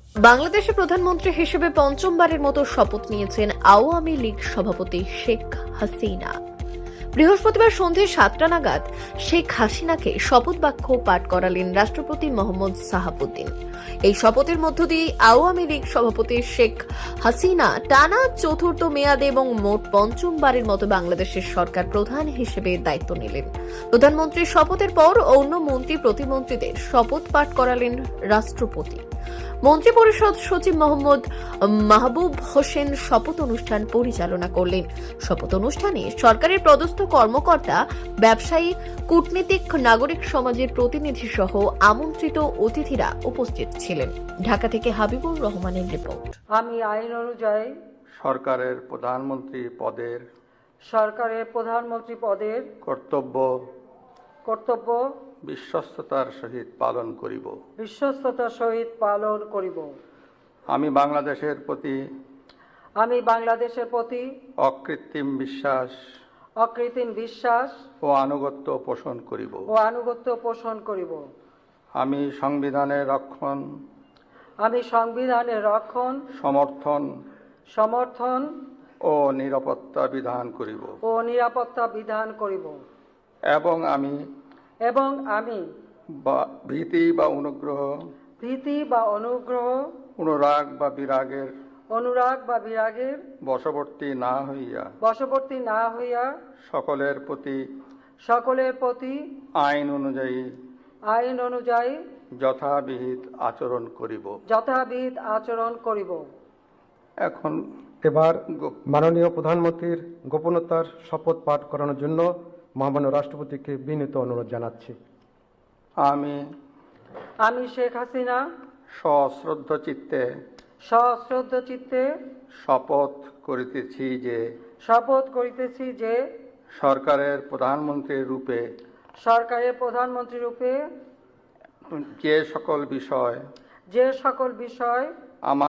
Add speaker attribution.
Speaker 1: বাংলাদেশের প্রধানমন্ত্রী হিসেবে পঞ্চমবারের মতো শপথ নিয়েছেন আওয়ামী লীগ সভাপতি শেখ হাসিনা। বৃহস্পতিবার সন্ধে 7টা নাগাদ শেখ হাসিনাকে শপথ বাক্য পাঠ করালেন রাষ্ট্রপতি মোহাম্মদ সাহাবুদ্দিন। এই শপথের মধ্য দিয়ে আওয়ামী লীগ সভাপতি শেখ হাসিনা টানা চতুর্থ মেয়াদে এবং মোট পঞ্চমবারের মতো বাংলাদেশের সরকার প্রধান হিসেবে দায়িত্ব নিলেন। প্রধানমন্ত্রীর শপথের পর অন্য মন্ত্রী প্রতিমন্ত্রীদের শপথ পাঠ করালেন রাষ্ট্রপতি। মন্ত্রিপরিষদ সচিব মোহাম্মদ মাহবুব হোসেন শপথ অনুষ্ঠান পরিচালনা করলেন। শপথ অনুষ্ঠানে সরকারের পদস্থ কর্মকর্তা, ব্যবসায়ী, কূটনীতিক, নাগরিক সমাজের প্রতিনিধি সহ আমন্ত্রিত অতিথিরা উপস্থিত ছিলেন। ঢাকা থেকে হাবিবুর রহমানের রিপোর্ট।
Speaker 2: আমি আইন অনুযায়ী
Speaker 3: সরকারের প্রধানমন্ত্রী পদের কর্তব্য বিশ্বস্ততার সহিত পালন করিব। আমি বাংলাদেশের প্রতি অকৃত্রিম বিশ্বাস ও আনুগত্য পোষণ করিব। আমি সংবিধানের রক্ষণ, সমর্থন ও নিরাপত্তা বিধান করিব। এবং আমি ভীতি বা অনুগ্রহ, অনুরাগ বা বিরাগের বশবর্তী না হইয়া সকলের প্রতি আইন অনুযায়ী যথাবিহিত আচরণ করিব।
Speaker 4: এবার মাননীয় প্রধানমন্ত্রীর গোপনতার শপথ পাঠ করানোর জন্য মহামান্য রাষ্ট্রপতিকে বিনীত অনুরোধ জানাচ্ছি।
Speaker 2: আমি শেখ হাসিনা
Speaker 3: সশ্রদ্ধ চিত্তে শপথ করিতেছি যে সরকারের প্রধানমন্ত্রী রূপে যে সকল বিষয়